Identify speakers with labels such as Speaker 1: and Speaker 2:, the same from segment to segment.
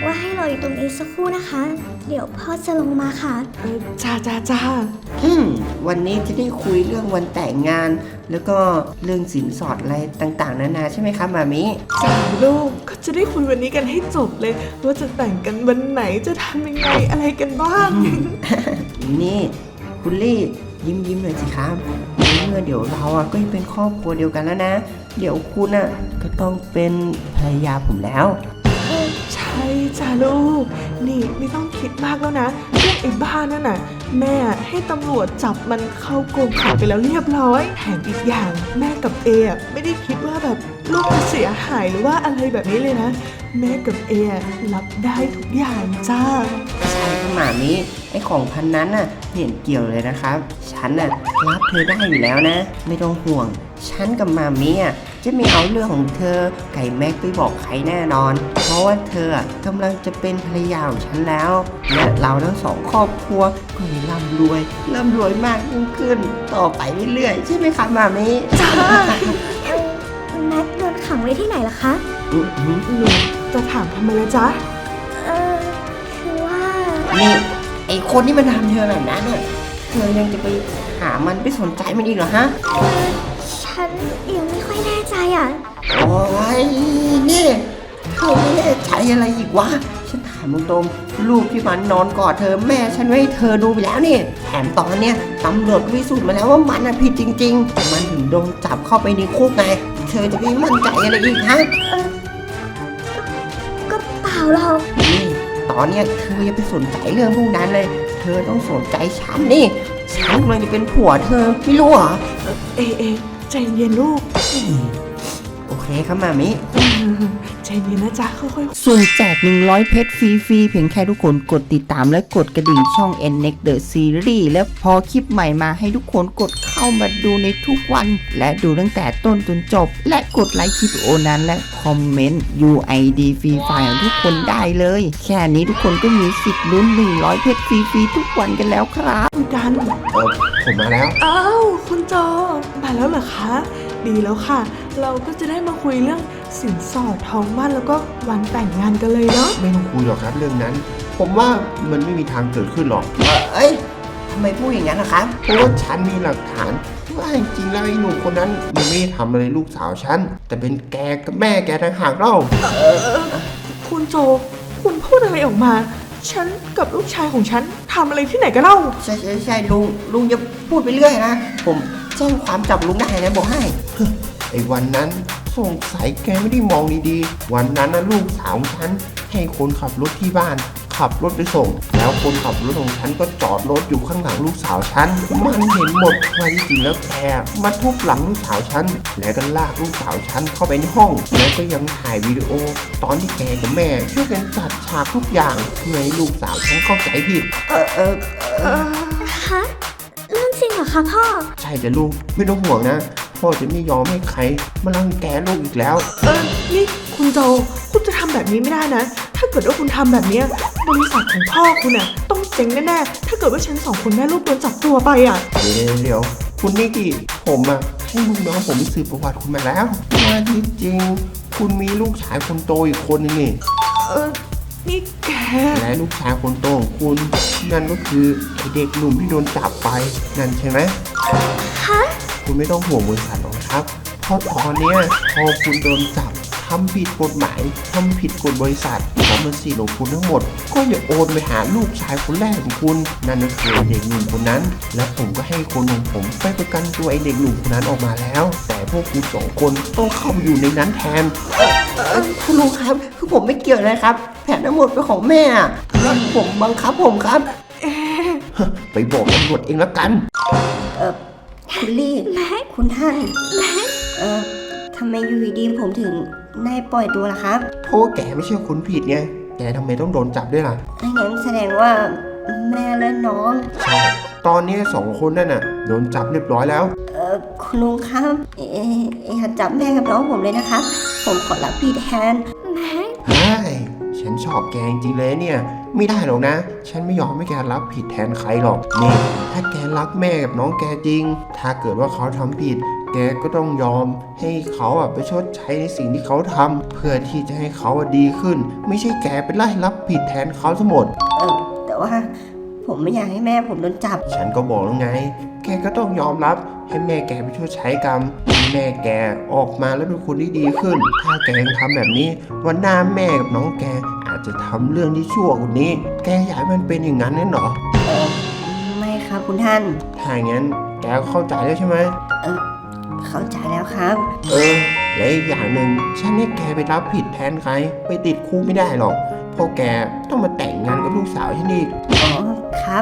Speaker 1: ว่าให้รออยู่ตรงนี้สักครู่นะคะ เดี๋ยวพ่อจะลงมาค่ะ
Speaker 2: จ้า
Speaker 3: วันนี้จะได้คุยเรื่องวันแต่งงาน แล้วก็เรื่องสินสอดอะไรต่างๆนานาใช่ไหมครับมามิ
Speaker 2: จ้าลูกก็จะได้คุยวันนี้กันให้จบเลยว่าจะแต่งกันวันไหนจะทำยังไงอะไรกันบ้าง
Speaker 3: นี่คุณลี่ยิ้มหน่อยสิครับเมื่อเดี๋ยวเราก็จะเป็นครอบครัวเดียวกันแล้วนะเดี๋ยวคุณก็ต้องเป็นภรรยาผมแล้ว
Speaker 2: ใช่จ้าลูกนี่ไม่ต้องคิดมากแล้วนะเรื่องไอ้บ้านั่นน่ะแม่ให้ตำรวจจับมันเข้ากรงขังไปแล้วเรียบร้อยแถมอีกอย่างแม่กับเอไม่ได้คิดว่าแบบลูกจะเสียหายหรือว่าอะไรแบบนี้เลยนะแม่กับเอรับได้ทุกอย่างจ้า
Speaker 3: ใช่ค่ะหมามิไอ้ของพันนั้นเห็นเกี่ยวเลยนะครับฉันรับเธอได้อยู่แล้วนะไม่ต้องห่วงฉันกับมามิจะไม่เอาเรื่องของเธอไก่แม็กไปบอกใครแน่นอนเพราะว่าเธอกำลังจะเป็นภรรยาของฉันแล้วและเราทั้งสองครอบครัวก็จะร่ำรวยมากยิ่งขึ้นต่อไปเรื่อยๆใช่ไหมคะมามิ
Speaker 2: จ้า
Speaker 1: แม็กโดนขังไว้ที่ไหนล่ะคะ
Speaker 2: หนูจะถามทำไมล่ะจ๊ะ
Speaker 1: คือว่า
Speaker 3: นี่ไอคนที่มันทำเธอแบบนั้นเธอยังจะไปหามันไปสนใจมันอีกเหรอฮะ
Speaker 1: ฉันยังไม่ค่อยแน่ใจ
Speaker 3: โอ้ยนี่เธอไม่แน่ใจอะไรอีกวะฉันถามตรงๆลูกที่มันนอนกอดเธอแม่ฉันไว้ให้เธอดูไปแล้วนี่แถมตอนเนี้ยตำรวจพิสูจน์มาแล้วว่ามันผิดจริงๆมันถึงโดนจับเข้าไปในคุกไงเธอจะไปมั่นใจอะไรอีกฮะ
Speaker 1: ก็เปล่าหรอก
Speaker 3: นี่ตอนเนี้ยเธออย่าไปสนใจเรื่องพวกนั้นเลยเธอต้องสนใจฉันนี่ฉันกำลังจะเป็นผัวเธอไม่รู้เหรอ
Speaker 2: เอใจเย็นลูก
Speaker 3: โอเคครับมามิ
Speaker 2: ใจเย็นนะจ๊ะค่อย
Speaker 3: ๆส่วนแจก100เพชรฟรีๆเพียงแค่ทุกคนกดติดตามและกดกระดิ่งช่อง NNEXT The Series และพอคลิปใหม่มาให้ทุกคนกดเข้ามาดูในทุกวันและดูตั้งแต่ต้นจนจบและกดไลค์คลิปวิดีโอนั้นและคอมเมนต์ UID ฟรีไฟล์ของทุกคนได้เลยแค่นี้ทุกคนก็มีสิทธิ์ลุ้น100เพชรฟรีๆทุกวันกันแล้วครับ
Speaker 2: กัน
Speaker 3: ผมมาแล้ว
Speaker 2: อ้าวคุณโจมาแล้วเหรอคะดีแล้วค่ะเราก็จะได้มาคุยเรื่องสินสอดทองมั่นแล้วก็วันแต่งงานกันเลยเนาะ
Speaker 4: ไม่ต้องคุยหรอกครับเรื่องนั้นผมว่ามันไม่มีทางเกิดขึ้นหรอก
Speaker 3: เอ้ยทำไมพูดอย่างนั้นนะครับ
Speaker 4: เพราะว่าฉันมีหลักฐานว่าจริงๆแล้วไอ้หนุ่มคนนั้นมันไม่ได้ทำอะไรลูกสาวฉันแต่เป็นแกกับแม่แกต่างหากเล่า
Speaker 2: คุณโจคุณพูดอะไรออกมาฉันกับลูกชายของฉันทำอะไรที่ไหนกันเล่า
Speaker 3: ใช่ลุงอย่าพูดไปเรื่อยนะผมแจ้งความจับลุงได้นะบอกให้
Speaker 4: ไอ้วันนั้นสงสัยแกไม่ได้มองดีๆวันนั้นลูกสาวฉันให้คนขับรถที่บ้านขับรถไปส่งแล้วคนขับรถของฉันก็จอดรถอยู่ข้างหลังลูกสาวฉันมันเห็นหมดว่าจริงๆแล้วแกมาทุบหลังลูกสาวฉันแล้วก็ลากลูกสาวฉันเข้าไปในห้องแล้วก็ยังถ่ายวิดีโอตอนที่แกกับแม่ช่วยกันจัดฉากทุกอย่างเพื่อให้ลูกสาวฉันเข้าใจผิด
Speaker 1: ฮะเรื่องจริงเหรอคะพ่อ
Speaker 4: ใช่จ้ะลูกไม่ต้องห่วงนะพ่อจะไม่ยอมให้ใครมารังแกลูกอีกแล้ว
Speaker 2: นี่คุณโจคุณจะทำแบบนี้ไม่ได้นะถ้าเกิดว่าคุณทำแบบนี้บริษัทของพ่อคุณต้องเจ๊งแน่ๆถ้าเกิดว่าฉัน2คนแม่ลูกโดนจับตัวไป
Speaker 4: เดี๋ยวคุณนิกกี้ผมให้ลูกน้องผมสืบประวัติคุณมาแล้วว่าที่จริงคุณมีลูกชายคนโตอีกคนนึงนี่
Speaker 2: นี่แก
Speaker 4: และลูกชายคนโตของคุณนั่นก็คือไอเด็กหนุ่มที่โดนจับไปนั่นใช่ไหม
Speaker 1: ฮะ
Speaker 4: คุณไม่ต้องห่วงบริษัทหรอกครับเพราะตอนนี้พอคุณโดนจับทำผิดกฎหมายทำผิดกฎบริษัททรัพย์สินของคุณทั้งหมดก็อย่าโอนไปหาลูกชายคนแรกของคุณนั่นก็คือเด็กหนุ่มคนนั้นและผมก็ให้คนของผมไปประกันตัวไอเด็กหนุ่มคนนั้นออกมาแล้วแต่พวกคุณ2คนต้องเข้าอยู่ในนั้นแทน
Speaker 3: คุณลุงครับคือผมไม่เกี่ยวเลยครับแผนทั้งหมดเป็นของแม่ผมบังคับผมครับ
Speaker 4: ไปบอกตำรวจเองแล้วกัน
Speaker 3: คุณลี่คุณท่านทำไมอยู่ดีผมถึงได้ปล่อยตัวล่ะครับ
Speaker 4: เพราะแกไม่ใช่คนผิดไงแกทำไมต้องโดนจับด้วยล่ะ
Speaker 3: งั้นแสดงว่าแม่และน้อง
Speaker 4: ใช่ตอนนี้2คนนั่นโดนจับเรียบร้อยแล้ว
Speaker 3: คุณลุงครับอย่าจับแม่กับน้องผมเลยนะครับผมขอรับพี่แทน
Speaker 1: แม่
Speaker 4: ใช่ฉันชอบแกจริงๆเลยเนี่ยไม่ได้หรอกนะฉันไม่ยอมให้แกรับผิดแทนใครหรอกนี่ถ้าแกรักแม่กับน้องแกจริงถ้าเกิดว่าเขาทำผิดแกแกก็ต้องยอมให้เขาไปชดใช้ในสิ่งที่เขาทำเพื่อที่จะให้เขาดีขึ้น ไม่ใช่แกไปไล่รับผิดแทนเขาทั้งหมด
Speaker 3: แต่ว่าผมไม่อยากให้แม่ผมโดนจับ
Speaker 4: ฉันก็บอกแล้วไง แกก็ต้องยอมรับให้แม่แกไปชดใช้กรรมให้แม่แกออกมาแล้วเป็นคนที่ดีขึ้น ถ้าแกยังทำแบบนี้วันหน้าแม่กับน้องแกอาจจะทำเรื่องที่ชั่วกว่านี้ แกอยากให้มันเป็นอย่างนั้นแน่หรอ
Speaker 3: ไม่ครับคุณท่าน
Speaker 4: ถ้าอย่างนั้นแกก็เข้าใจแล้วใช่ไหม
Speaker 3: เข้าใจแล้วครับ
Speaker 4: และอีกอย่างหนึ่งฉันให้แกไปรับผิดแทนใครไปติดคุกไม่ได้หรอกเพราะแกต้องมาแต่งงานกับลูกสาวฉันอีก
Speaker 3: อ๋อครับ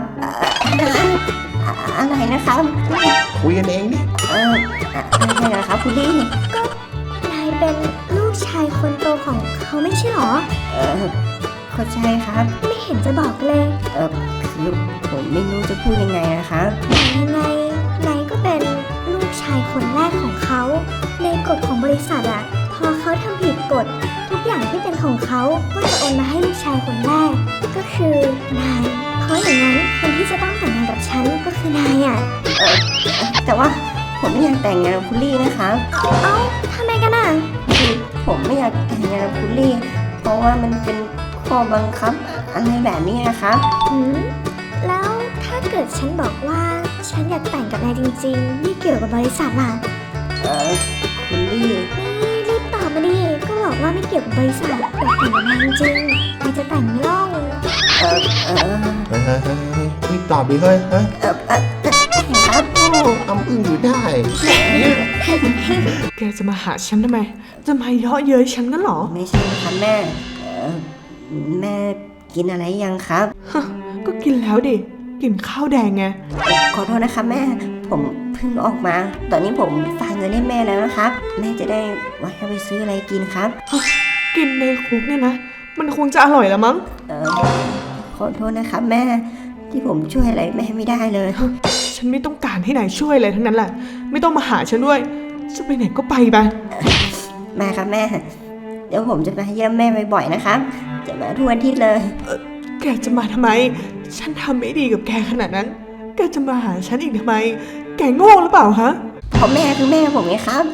Speaker 3: อะไรนะครับ
Speaker 4: คุยกันเองดิ
Speaker 3: อะไรนะครับคุณลี่
Speaker 1: นายเป็นลูกชายคนโตของเขาไม่ใช่หรอ
Speaker 3: เข้าใจครับ
Speaker 1: ไม่เห็นจะบอกเลย
Speaker 3: คือผมไม่รู้จะพูดยังไงนะครับ
Speaker 1: ยังไงนายก็เป็นลูกชายคนแรกของเขา ในกฎของบริษัทอะพอเขาทำผิดกฎทุกอย่างที่เป็นของเขาก็จะโอนมาให้ลูกชายคนแรก ก็คือนาย เพราะอย่างนั้นคนที่จะต้องแต่งงานกับฉันก็คือนายอะ
Speaker 3: แต่ว่าผมไม่อยากแต่งงานกับคุณลี่นะครับ
Speaker 1: เอ้าทำไมกันอะ
Speaker 3: คือผมไม่อยากแต่งงานกับคุณลี่ เพราะว่ามันเป็นข้อบังคับอะไรแบบนี้นะครับ
Speaker 1: แล้วถ้าเกิดฉันบอกว่าฉันอยากแต่งกับนายจริงๆไม่เกี่ยวกับบริษัทล่ะ
Speaker 3: คุณลี่
Speaker 1: นี่รีบตอบมาดิ ก็บอกว่าไม่เกี่ยวกับบริษัทอยากแต่งกับนายจริงๆนายจะแต่งไม่ล่อง
Speaker 4: เฮ้ยรีบตอบดิเฮ้ยฮะ
Speaker 3: ครับ
Speaker 4: โอ้อำอึ้งอยู่ได้เนี่ย
Speaker 2: แกจะมาหาฉันทำไม จะมาเยาะเย้ยฉันนั่นหรอ
Speaker 3: ไม่ใช่ครับแม่แม่กินอะไรยังครับ
Speaker 2: ก็กินแล้วดิ กินข้าวแดงไง
Speaker 3: ขอโทษนะครับแม่ ผมเพิ่งออกมา ตอนนี้ผมฝากเงินให้แม่แล้วนะครับ แม่จะได้ไว้ให้ไปซื้ออะไรกินครับ
Speaker 2: กินในคุกเนี่ยนะ มันคงจะอร่อยละมั้ง
Speaker 3: ขอโทษนะครับแม่ที่ผมช่วยอะไรแม่ไม่ได้เลย
Speaker 2: ฉันไม่ต้องการให้นายช่วยอะไรทั้งนั้นแหละ ไม่ต้องมาหาฉันด้วย จะไปไหนก็ไปไป
Speaker 3: แม่ครับแม่ เดี๋ยวผมจะมาเยี่ยมแม่บ่อยๆนะครับ จะมาทุกอาทิตย์เลย
Speaker 2: แกจะมาทำไม ฉันทำไม่ดีกับแกขนาดนั้น แกจะมาหาฉันอีกทำไม แกโง่หรือเปล่าฮะ
Speaker 3: เพราะแม่คือแม่ผมไงครับ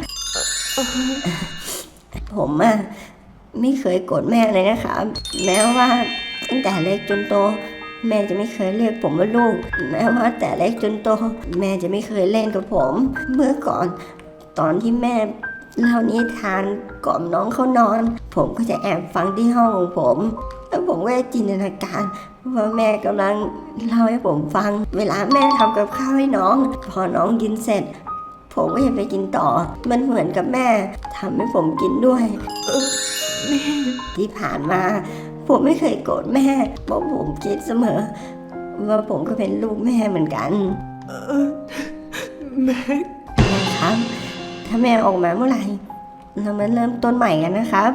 Speaker 3: ผมอะไม่เคยโกรธแม่เลยนะครับ แม้ว่าตั้งแต่เล็กจนโต แม่จะไม่เคยเรียกผมว่าลูก แม้ว่าแต่เล็กจนโต แม่จะไม่เคยเล่นกับผม เมื่อก่อน ตอนที่แม่เล่านิทานกล่อมน้องเขานอน ผมก็จะแอบฟังที่ห้องของผม แล้วผมก็จะจินตนาการว่าแม่กำลังเล่าให้ผมฟัง เวลาแม่ทำกับข้าวให้น้อง พอน้องกินเสร็จ ผมก็จะไปกินต่อ มันเหมือนกับแม่ทำให้ผมกินด้วย
Speaker 2: นี่
Speaker 3: ที่ผ่านมา ผมไม่เคยโกรธแม่เพราะผมคิดเสมอ ว่าผมก็เป็นลูกแม่เหมือนกัน
Speaker 2: แม็ก
Speaker 3: แม่ครับ ถ้าแม่ออกมาเมื่อไหร่เรามาเริ่มต้นใหม่กันนะครับ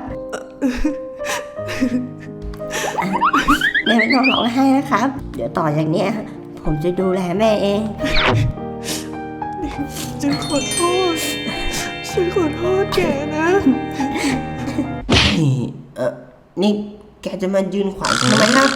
Speaker 3: แม่ไม่ต้องร้องไห้นะครับ เดี๋ยวต่อจากเนี้ยผมจะดูแลแม่เอง
Speaker 2: ฉันขอโทษ ฉันขอโทษแกนะ
Speaker 3: นี่แกจะมายืนขวางทำไมครับ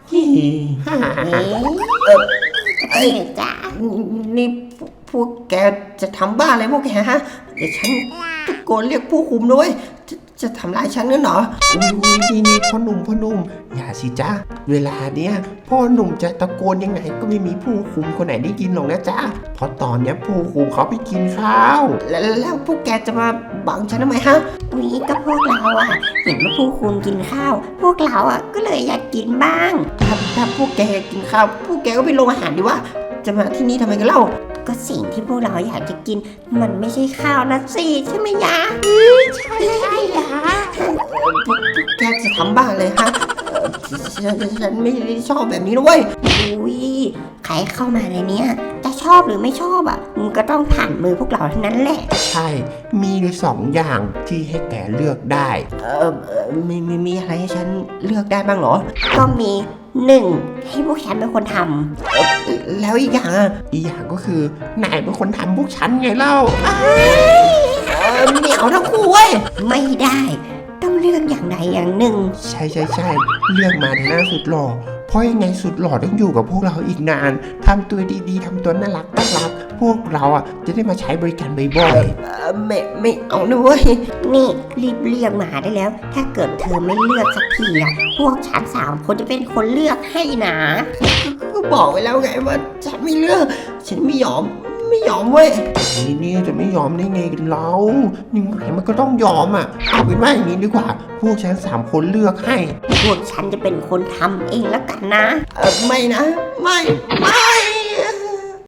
Speaker 3: เอ้ยจ้านี่พวกแกจะทำบ้าอะไรพวกแกฮะ เดี๋ยวฉันตะโกนเรียกผู้คุมด้วยจะทำร้ายฉันนั่นเหรอ
Speaker 4: อุ้ยนี่พ่อหนุ่มอย่าสิจ้าเวลาเนี้ยพ่อหนุ่มจะตะโกนยังไงก็ไม่มีผู้คุมคนไหนได้ยินหรอกนะจ้าเพราะตอนเนี้ยผู้คุมเขาไปกินข้าว
Speaker 3: แล้วพวกแกจะมาบังฉันทำไมฮะนี่ก็พวกเราอะเห็นว่าผู้คุมกินข้าว พวกเราอะก็เลยอยากกินบ้างถ้าพวกแกอยากกินข้าวพวกแกก็ไปโรงอาหารดีว่าจะมาที่นี่ทำไมกันเล่าก็สิ่งที่พวกเราอยากจะกินมันไม่ใช่ข้าวนะสิใช่ไหมยะใช่ยะพวกแกจะทำบ้าเลยฮะฉันไม่ได้ชอบแบบนี้ด้วยอุ้ยใครเข้ามาในเนี้ยจะชอบหรือไม่ชอบอ่ะมึงก็ต้องผ่านมือพวกเราทั้งนั้นแหละ
Speaker 4: ใช่มีอยู่2 อย่างที่ให้แกเลือกได้
Speaker 3: มีอะไรให้ฉันเลือกได้บ้างเหรอก็มี1ให้พวกฉันเป็นคนทำแล้วอีกอย่างอ่ะ
Speaker 4: อีกอย่างก็คือนายเป็นคนทำพวกฉันไงเล่า
Speaker 3: เหนียวทั้งคู่เว้ยไม่ได้ต้องเลือกอย่างใดอย่างหนึ่ง
Speaker 4: ใช่เลือกมาในหน้าสุดหล่อพเพราะยังไงสุดหล่อต้องอยู่กับพวกเราอีกนานทำตัวดีๆทำตัวน่ารักพวกเราอ่ะจะได้มาใช้บริการบ่อยๆ
Speaker 3: ไม่เอานะเว้ยนี่รีบเรียกมาได้แล้ว ถ้าเกิดเธอไม่เลือกสักทีอะพวกฉัน3 คนจะเป็นคนเลือกให้นะก็บอกไว้แล้วไงว่าฉันไม่เลือกฉันไม่ยอมเว้ย
Speaker 4: นี่จะไม่ยอมได้ไงกันเรายังไงมันก็ต้องยอมอ่ะเอาเป็นว่าอย่างนี้ดีกว่า พวกฉัน3 คนเลือกให้
Speaker 3: พวกฉันจะเป็นคนทำเองแล้วกันนะไม่นะไม่